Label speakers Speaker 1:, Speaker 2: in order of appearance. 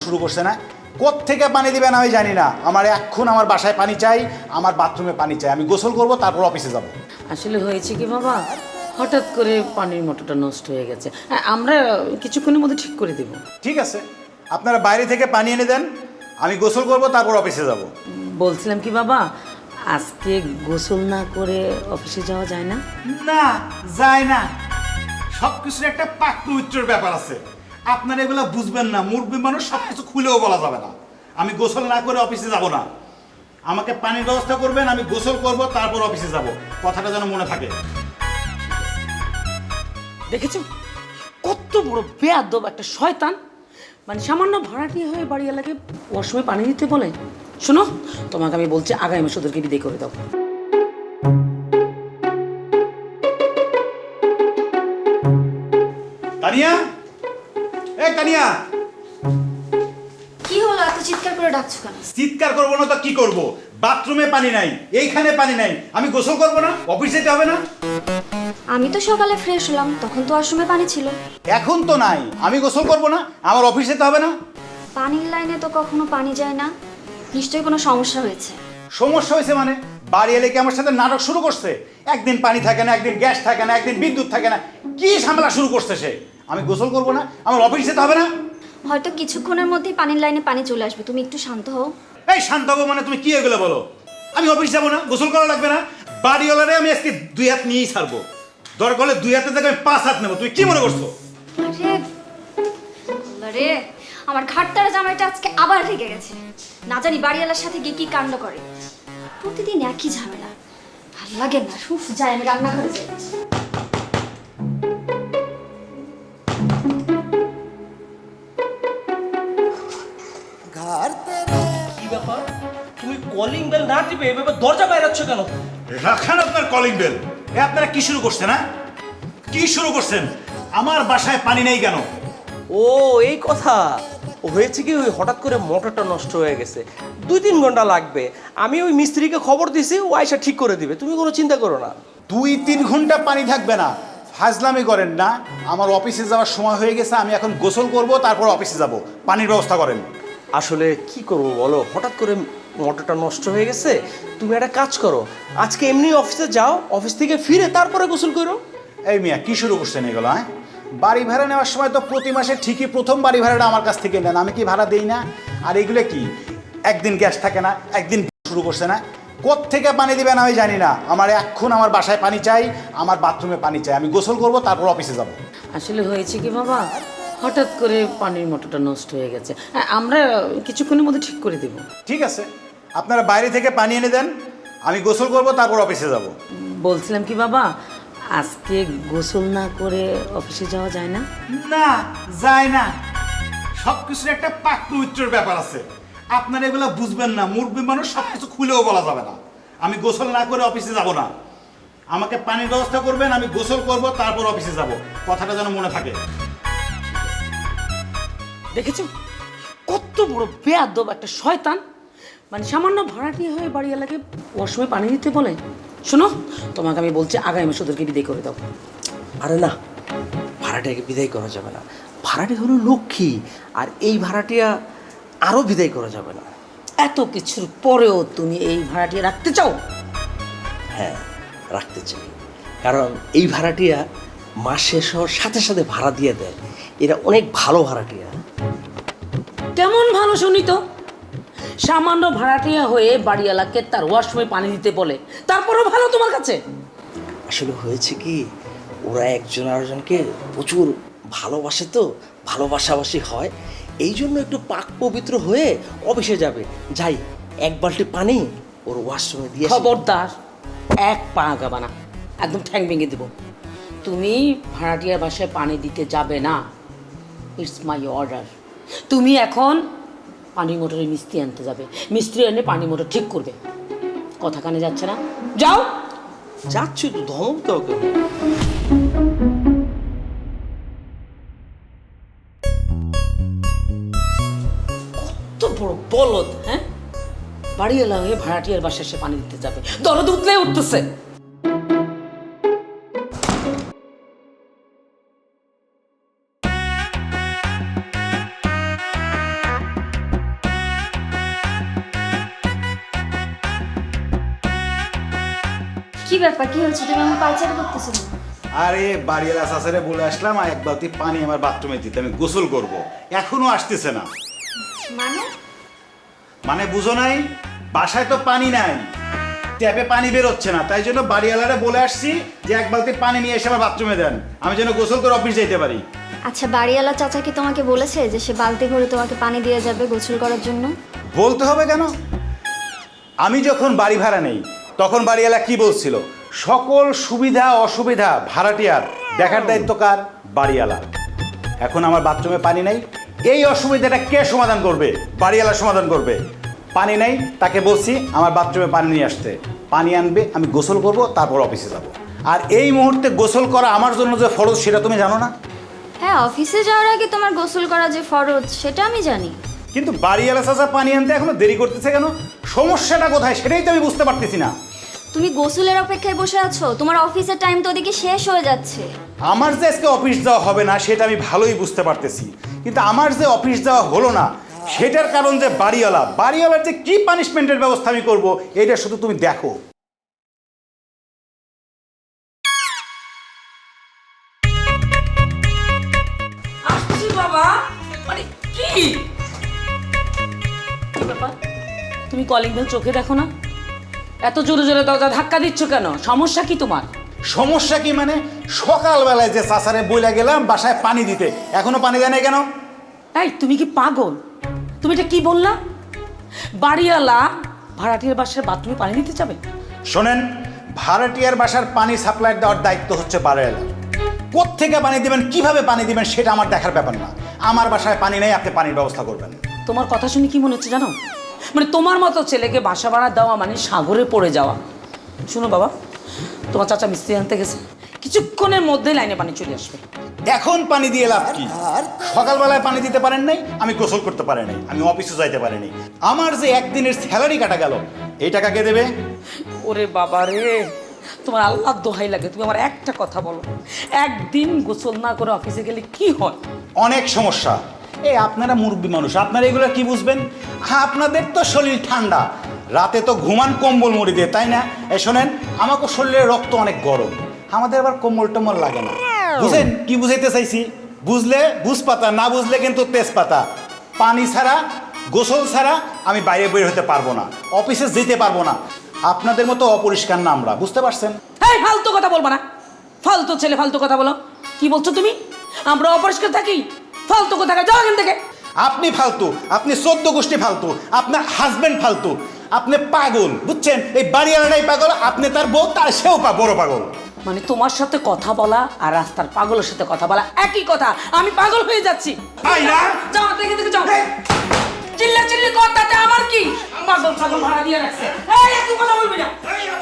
Speaker 1: শুরু করছে না। কোত্থেকে পানি দিবেন আমি জানি না, আমার এখন আমার বাসায় পানি চাই, আমার বাথরুমে পানি চাই, আমি গোসল করব তারপর অফিসে যাব।
Speaker 2: আসলে হয়েছে কি বাবা, হঠাৎ করে পানির মোটরটা নষ্ট হয়ে গেছে। হ্যাঁ, আমরা কিছুক্ষণের মধ্যে ঠিক করে দেব।
Speaker 1: ঠিক আছে, আপনারা বাইরে থেকে পানি এনে দেন, আমি গোসল করব তারপর অফিসে যাব।
Speaker 2: বলছিলাম কি বাবা, আজকে গোসল না করে অফিসে যাওয়া যায় না?
Speaker 1: না, যায় না। সব কিছুর একটা পাক পবিত্রের ব্যাপার আছে, আপনারা এগুলো বুঝবেন না। মুরব্বী মানুষ সব কিছু খুলেও বলা যাবে না। আমি গোসল না করে অফিসে যাব না, আমাকে পানির ব্যবস্থা করবেন, আমি গোসল করব তারপর অফিসে যাব, কথাটা যেন মনে থাকে।
Speaker 2: দেখেছো কত বড় বেয়াদব একটা শয়তান, মানে সামান্য ভাড়াটি হয়ে বাড়ি এলাকায় ওয়াশরুমে পানি দিতে বলে। শোনো, তোমাকে আমি বলছি আগামী মাসে ওদেরকে বিদায় করে দাও।
Speaker 1: তানিয়া, এই তানিয়া।
Speaker 3: কি হলো, এত চিৎকার করে ডাকছো কেন?
Speaker 1: চিৎকার করবো না তো কি করব? বাথরুমে পানি নাই, এইখানে পানি নাই, আমি গোসল করব না? অফিস যেতে হবে না?
Speaker 3: আমি তো সকালে ফ্রেশ হলাম, তখন তো ওয়াশরুমে পানি ছিল।
Speaker 1: এখন তো নাই, আমি গোসল করব না? আমার অফিস যেতে হবে না?
Speaker 3: পানির লাইনে তো কখনো পানি যায় না, নিশ্চয়ই কোনো সমস্যা হয়েছে।
Speaker 1: সমস্যা হয়েছে মানে? বাড়ি এলে কি আমার সাথে নাটক শুরু করছে? একদিন পানি থাকে না, একদিন গ্যাস থাকে না, একদিন বিদ্যুৎ থাকে না, কি ঝামেলা শুরু করছে সে? আমি গোসল করব না? আমার অফিস যেতে হবে না?
Speaker 3: হয়তো কিছুক্ষণের মধ্যেই পানির লাইনে পানি চলে আসবে, তুমি একটু শান্ত হও।
Speaker 1: এই শান্ত হবো মানে? তুমি কি এগুলো বলো? আমি অফিস যাবো না, গোসল করা লাগবে না? বাড়িওয়ালারে আমি আজকে 2 হাত নিয়েই ছাড়বো, দরকার হলে 2 হাতের জায়গায় আমি 5 হাত নেবো। তুমি কি মনে করছো?
Speaker 3: আরে আল্লাহ রে, আমার ঘাটতারা জামাইটা আজকে আবার রেগে গেছে। না জানি বাড়িওয়ালার সাথে গিয়ে কি কাণ্ড করে। প্রতিদিন একই ঝামেলা, ভাল লাগে না। উফ, যাই আমি রান্নাঘরে যাই।
Speaker 4: কি ব্যাপার, তুমি কলিং বেল না টিপে এভাবে দরজা বাইরাচ্ছ কেন?
Speaker 1: রাখান আপনার কলিং বেল। এ আপনারা কি শুরু করছেন? হ্যাঁ, কি শুরু করছেন? আমার বাসায় পানি নেই কেন?
Speaker 4: ও এই কথা। ও হয়েছে কি, ওই হঠাৎ করে মোটরটা নষ্ট হয়ে গেছে, 2-3 ঘন্টা লাগবে। আমি ওই মিস্ত্রিকে খবর দিয়েছি, ও আয়সা ঠিক করে দিবে, তুমি কোনো চিন্তা করো না।
Speaker 1: 2-3 ঘন্টা পানি থাকবে না, ফাজলামি করেন না। আমার অফিসে যাওয়ার সময় হয়ে গেছে, আমি এখন গোসল করব তারপর অফিসে যাব, পানির ব্যবস্থা করেন।
Speaker 4: আসলে কি করবো বলো, হঠাৎ করে মোটরটা নষ্ট হয়ে গেছে। তুমি একটা কাজ করো, আজকে এমনি অফিসে যাও, অফিস থেকে ফিরে তারপরে গোসল করো।
Speaker 1: এই মিয়া, কি শুরু করছেন এগুলো? হ্যাঁ, বাড়ি ভাড়া নেওয়ার সময় তো প্রতি মাসে ঠিকই প্রথম বাড়ি ভাড়াটা আমার কাছ থেকে নেন, আমি কি ভাড়া দেই না? আর এগুলো কি, একদিন গ্যাস থাকে না, একদিন শুরু করছে না। কোত্থেকে পানি দিবেন আমি জানি না, আমার এখন আমার বাসায় পানি চাই, আমার বাথরুমে পানি চাই, আমি গোসল করব তারপর অফিসে যাব।
Speaker 2: আসলে হয়েছে কি বাবা, হঠাৎ করে পানির মোটরটা নষ্ট হয়ে গেছে। হ্যাঁ, আমরা কিছুক্ষণের মধ্যে ঠিক করে দেব।
Speaker 1: ঠিক আছে, আপনারা বাইরে থেকে পানি এনে দেন, আমি গোসল করব তারপর অফিসে যাব।
Speaker 2: বলছিলাম কি বাবা, আজকে গোসল না করে অফিসে যাওয়া যায় না?
Speaker 1: না, যায় না। সব কিছুর একটা পাক পবিত্রের ব্যাপার আছে, আপনারা এগুলো বুঝবেন না। মুরব্বী মানুষ সব কিছু খুলেও বলা যাবে না। আমি গোসল না করে অফিসে যাব না, আমাকে পানির ব্যবস্থা করবেন, আমি গোসল করব তারপর অফিসে যাব, কথাটা যেন মনে থাকে।
Speaker 2: দেখেছো কত বড় বেয়াদব একটা শয়তান, মানে সামান্য ভাড়াটি হয়ে বাড়ি এলাকায় ওয়াশরুমে পানি দিতে বলে। শোনো, তোমাকে আমি বলছি আগামী মাসে ওদেরকে বিদায় করে দাও।
Speaker 4: আরে না, ভাড়াটিয়াকে বিদায় করা যাবে না। ভাড়াটি হলো লক্ষ্মী, আর এই ভাড়াটিয়া আরও বিদায় করা যাবে না।
Speaker 2: এত কিছুর পরেও তুমি এই ভাড়াটি রাখতে চাও?
Speaker 4: হ্যাঁ, রাখতে চাই, কারণ এই ভাড়াটিয়া মাস শেষ হওয়ার সাথে সাথে ভাড়া দিয়ে দেয়। এরা অনেক ভালো ভাড়াটিয়া।
Speaker 2: কেমন ভালো শুনি তো, সামান্য ভাড়াটিয়া হয়ে বাড়িওয়ালাকে তার ওয়াশরুমে পানি দিতে বলে, তারপরেও ভালো তোমার কাছে?
Speaker 4: আসলে হয়েছে কি, ওরা একজন আরেকজনকে প্রচুর ভালোবাসে, তো ভালোবাসাবাসি হয়, এই জন্য একটু পাক পবিত্র হয়ে অফিসে যাবে। যাই, 1 বালতি পানি ওর ওয়াশরুমে দিয়ে আসি।
Speaker 2: খবরদার, এক পা আগাবা না, একদম ঠ্যাং ভেঙে দেবো। তুমি ভাড়াটিয়ার বাসায় পানি দিতে যাবে না, ইটস মাই অর্ডার। তুমি এখন পানি মোটরে মিস্ত্রি আনতে যাবে, মিস্ত্রি এনে পানি মোটর ঠিক করবে। কথা কানে যাচ্ছে না? যাও।
Speaker 4: যাচ্ছি তো, ধমক দাও কেন?
Speaker 2: কত বড় বলদ! হ্যাঁ, বাড়িওয়ালা হয়ে ভাড়াটিয়ার বাসায় সে পানি দিতে যাবে, দরদ উতলে উঠতেছে।
Speaker 3: কি ব্যাপার, কি হচ্ছে? তুমি আমার পায়চারি করতেছো কেন?
Speaker 1: আরে বাড়িওয়ালা চাচারে বলে আসলাম আর এক বালতি পানি আমার বাথরুমে দিতে, আমি গোসল করব। এখনো আসতেছে না।
Speaker 3: মানে?
Speaker 1: মানে বুঝো নাই, বাসায় তো পানি নাই, ট্যাপে পানি বেরোচ্ছে না, তাই জন্য বাড়িওয়ালারে বলে আসছি যে এক বালতি পানি নিয়ে এসে আমার বাথরুমে দেন, আমি যেন গোসল করে অফিস যেতে পারি।
Speaker 3: আচ্ছা, বাড়িওয়ালা চাচা কি তোমাকে বলেছে যে সে বালতি ভরে তোমাকে পানি দিয়ে যাবে গোসল করার জন্য?
Speaker 1: বলতে হবে কেন? আমি যখন বাড়ি ভাড়া নেই তখন বাড়িওয়ালা কি বলছিল, সকল সুবিধা অসুবিধা ভাড়াটিয়ার দেখার দায়িত্ব কার? বাড়িওয়ালা। এখন আমার বাথরুমে পানি নেই, এই অসুবিধাটা কে সমাধান করবে? বাড়িওয়ালা সমাধান করবে। পানি নেই, তাকে বলছি আমার বাথরুমে পানি নিয়ে আসতে, পানি আনবে, আমি গোসল করব, তারপর অফিসে যাব। আর এই মুহূর্তে গোসল করা আমার জন্য যে ফরজ সেটা তুমি জানো না?
Speaker 3: হ্যাঁ, অফিসে যাওয়ার আগে তোমার গোসল করা যে ফরজ সেটা আমি জানি।
Speaker 1: কিন্তু বাড়িওয়ালা চাচা পানি আনতে এখনো দেরি করতেছে কেন? সমস্যাটা কোথায় সেটাই তো আমি বুঝতে পারতেছি না।
Speaker 3: তুমি গোসলের অপেক্ষায় বসে আছো, তোমার অফিসের টাইম তো ওদিকে শেষ হয়ে যাচ্ছে।
Speaker 1: আমার যে আজকে অফিস যাওয়া হবে না সেটা আমি ভালোই বুঝতে পারতেছি, কিন্তু আমার যে অফিস যাওয়া হলো না সেটার কারণ যে বাড়িওয়ালার যে কি পানিশমেন্টের ব্যবস্থা আমি করব এটা শুধু তুমি দেখো।
Speaker 2: আসছি বাবা। মানে কি ব্যাপার? তুমি কলিং বেল চোখে দেখো না? এত জোরে জোরে দরজা ধাক্কা দিচ্ছ কেন? সমস্যা কি তোমার?
Speaker 1: সমস্যা কি মানে? সকালবেলায় যে চাচারে বইলা গেলাম বাসায় পানি দিতে, এখনো পানি দেয় নাই কেন?
Speaker 2: এই তুমি কি পাগল? তুমি এটা কি বললা? বাড়িওয়ালা ভাড়াটিয়ার বাসার বাথরুমে পানি দিতে যাবে?
Speaker 1: শোনেন, ভাড়াটিয়ার বাসার পানি সাপ্লাই দেওয়ার দায়িত্ব হচ্ছে বাড়িওয়ালার। কোত্থেকে পানি দিবেন, কিভাবে পানি দিবেন সেটা আমার দেখার ব্যাপার না। আমার বাসায় পানি নেই, আপনি পানির ব্যবস্থা করবেন।
Speaker 2: তোমার কথা শুনে কি মনে হচ্ছে জানো? মানে তোমার মতো ছেলেকে বাসা ভাড়া দেওয়া মানে সাগরে পড়ে যাওয়া। শুনো বাবা, তোমার চাচা মিস্ত্রি আনতে গেছে, কিছুক্ষণের মধ্যে লাইনে পানি চলে আসবে।
Speaker 1: এখন পানি দিয়ে লাভ কি? সকালবেলায় পানি দিতে পারেন নাই, আমি গোসল করতে পারি নাই, আমি অফিসে যাইতে পারি নাই, আমার যে একদিনের স্যালারি কাটা গেল, এই টাকা কে দেবে?
Speaker 2: ওরে বাবা রে, তোমার আল্লাহর দোহাই লাগে, তুমি আমার একটা কথা বলো, একদিন গোসল না করে অফিসে গেলে কি হয়?
Speaker 1: অনেক সমস্যা। এই আপনারা মুরব্বী মানুষ, আপনারা এগুলো কি বুঝবেন? আপনাদের তো শরীর ঠান্ডা, রাতে তো ঘুমান কম্বল মুড়ি দিয়ে, তাই না? এই শোনেন, আমাকে শরীরের রক্ত অনেক গরম, আমাদের আবার কম্বল টম্বল লাগে না। বুঝেন কি বুঝাইতে চাইছি? বুঝলে বুঝপাতা, না বুঝলে কিন্তু তেজপাতা। পানি ছাড়া, গোসল ছাড়া আমি বাইরে বের হতে পারবো না, অফিসে যেতে পারবো না। আপনাদের মতো অপরিষ্কার না আমরা, বুঝতে পারছেন?
Speaker 2: এই ফালতু কথা বলবো না, ফালতু ছেলে ফালতু কথা বলো। কি বলছো তুমি? আমরা অপরিষ্কার থাকি? ফালতু কথা, যাও এখান থেকে।
Speaker 1: আপনি ফালতু, আপনি 14 গোষ্ঠী ফালতু, আপনার হাজবেন্ড ফালতু, আপনি পাগল, বুঝছেন? এই বাড়িওয়ালাটাই পাগল, আপনি তার বউ, তার সেও বড় পাগল।
Speaker 2: মানে তোমার সাথে কথা বলা আর রাস্তার পাগলের সাথে কথা বলা একই কথা। আমি পাগল হয়ে যাচ্ছি।
Speaker 1: আইরা,
Speaker 2: যাও দেখে দেখে যাও। চিল্লা চিল্লি কর, তাতে আমার কি? পাগল পাগল ভাড়া দিয়ে রাখছে। এই একটু কথা বলবি না।